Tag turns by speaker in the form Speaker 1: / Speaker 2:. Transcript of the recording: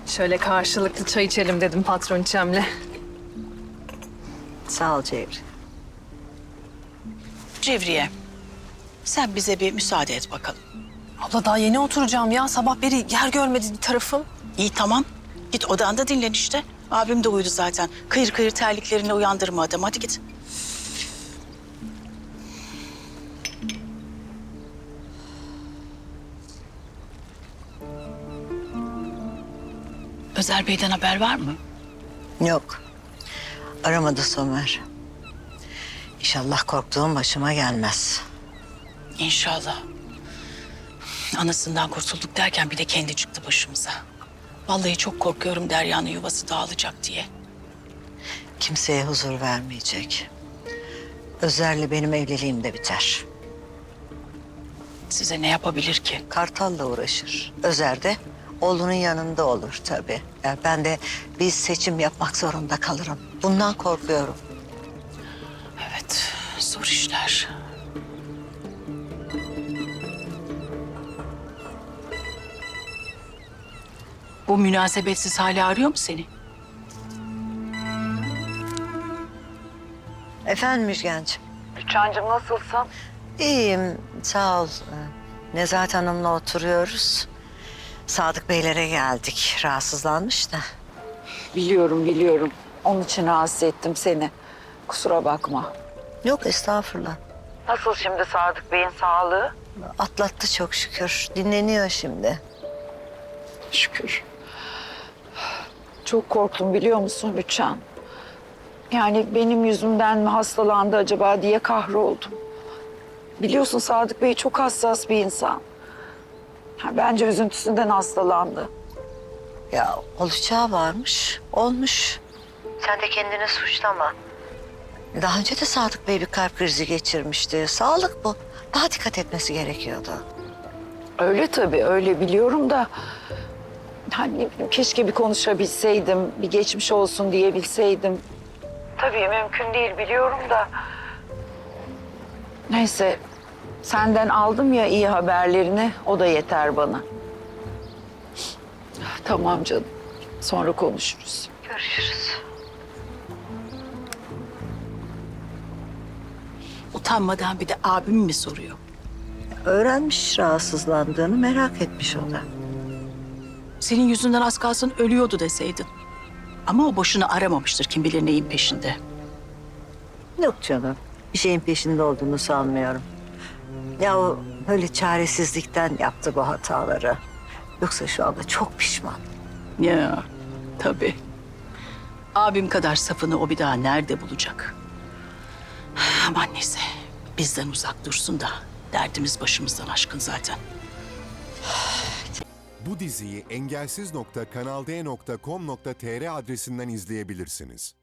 Speaker 1: Şöyle karşılıklı çay içelim dedim patroniçemle.
Speaker 2: Sağ ol Cevri.
Speaker 3: Cevriye, sen bize bir müsaade et bakalım.
Speaker 1: Abla daha yeni oturacağım ya. Sabah beri yer görmedi bir tarafım.
Speaker 3: İyi tamam. Git odanda dinlen işte. Abim de uyudu zaten. Kıyır kıyır terliklerini uyandırma adam. Hadi git. Özer Bey'den haber var mı?
Speaker 2: Yok. Aramadı Somer. İnşallah korktuğum başıma gelmez.
Speaker 3: İnşallah. Anasından kurtulduk derken bir de kendi çıktı başımıza. Vallahi çok korkuyorum Derya'nın yuvası dağılacak diye.
Speaker 2: Kimseye huzur vermeyecek. Özer'le benim evliliğim de biter.
Speaker 3: Size ne yapabilir ki?
Speaker 2: Kartal'la uğraşır. Özer de oğlunun yanında olur tabii. Yani ben de bir seçim yapmak zorunda kalırım. Bundan korkuyorum.
Speaker 3: Evet, zor işler. Bu münasebetsiz hali arıyor mu seni?
Speaker 2: Efendim Müjgancığım.
Speaker 1: Rüçhancığım nasılsın?
Speaker 2: İyiyim, sağ ol. Nezahat Hanım'la oturuyoruz. Sadık Beylere geldik. Rahatsızlanmış da.
Speaker 4: Biliyorum. Onun için rahatsız ettim seni. Kusura bakma.
Speaker 2: Yok estağfurullah.
Speaker 4: Nasıl şimdi Sadık Bey'in sağlığı?
Speaker 2: Atlattı çok şükür. Dinleniyor şimdi.
Speaker 4: Şükür. Çok korktum biliyor musun Rüçhan? Yani benim yüzümden mi hastalandı acaba diye kahroldum. Biliyorsun Sadık Bey çok hassas bir insan. Bence üzüntüsünden hastalandı.
Speaker 2: Ya olacağı varmış, olmuş. Sen de kendini suçlama. Daha önce de Sadık Bey bir kalp krizi geçirmişti. Sağlık bu. Daha dikkat etmesi gerekiyordu.
Speaker 4: Öyle tabii, öyle biliyorum da... Hani keşke bir konuşabilseydim, bir geçmiş olsun diyebilseydim. Tabii mümkün değil biliyorum da... Neyse, senden aldım ya iyi haberlerini, o da yeter bana. Tamam canım, sonra konuşuruz.
Speaker 2: Görüşürüz.
Speaker 3: Utanmadan bir de abim mi soruyor?
Speaker 2: Öğrenmiş rahatsızlandığını, merak etmiş o da.
Speaker 3: Senin yüzünden az kalsın ölüyordu deseydin. Ama o boşuna aramamıştır kim bilir neyin peşinde.
Speaker 2: Yok canım, bir şeyin peşinde olduğunu sanmıyorum. Ya o böyle çaresizlikten yaptı bu hataları. Yoksa şu anda çok pişman.
Speaker 3: Ya tabii. Abim kadar safını o bir daha nerede bulacak? Aman neyse bizden uzak dursun da derdimiz başımızdan aşkın zaten.
Speaker 5: Bu diziyi engelsiz.kanalde.com.tr adresinden izleyebilirsiniz.